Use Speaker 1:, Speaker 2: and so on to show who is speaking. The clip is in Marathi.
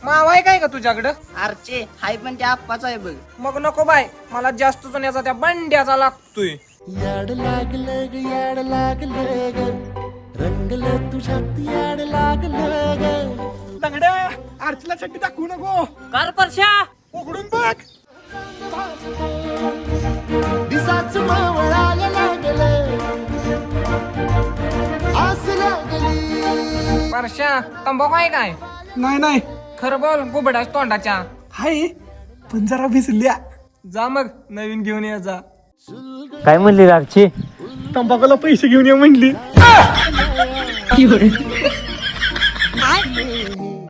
Speaker 1: मावा आहे काय का तुझ्याकडं?
Speaker 2: आरचे हाय पण त्या आप्पाचा आहे बघ.
Speaker 1: मग नको बाय, मला जास्त जुन्याचा त्या बंड्याचा लागतोय.
Speaker 3: याड लागलं ग याड लागलं ग रंगलं तुझ्यात याड लागलं ग.
Speaker 4: लंगड्या आरतीला चड्डी दाखवू नको.
Speaker 2: कर परश्या.
Speaker 4: उघडून बघ.
Speaker 3: दिसाच मावळायला लागलं आस लागली.
Speaker 1: परश्या, तंबाखू आहे काय?
Speaker 4: नाही नाही
Speaker 1: खरं बोल, गुबडाच तोंडाच्या.
Speaker 4: हाय पण जरा भिजल्या.
Speaker 1: जा मग नवीन घेऊन ये जा.
Speaker 5: काय म्हणली रागची?
Speaker 4: तंबाखूला पैसे घेऊन ये म्हणली.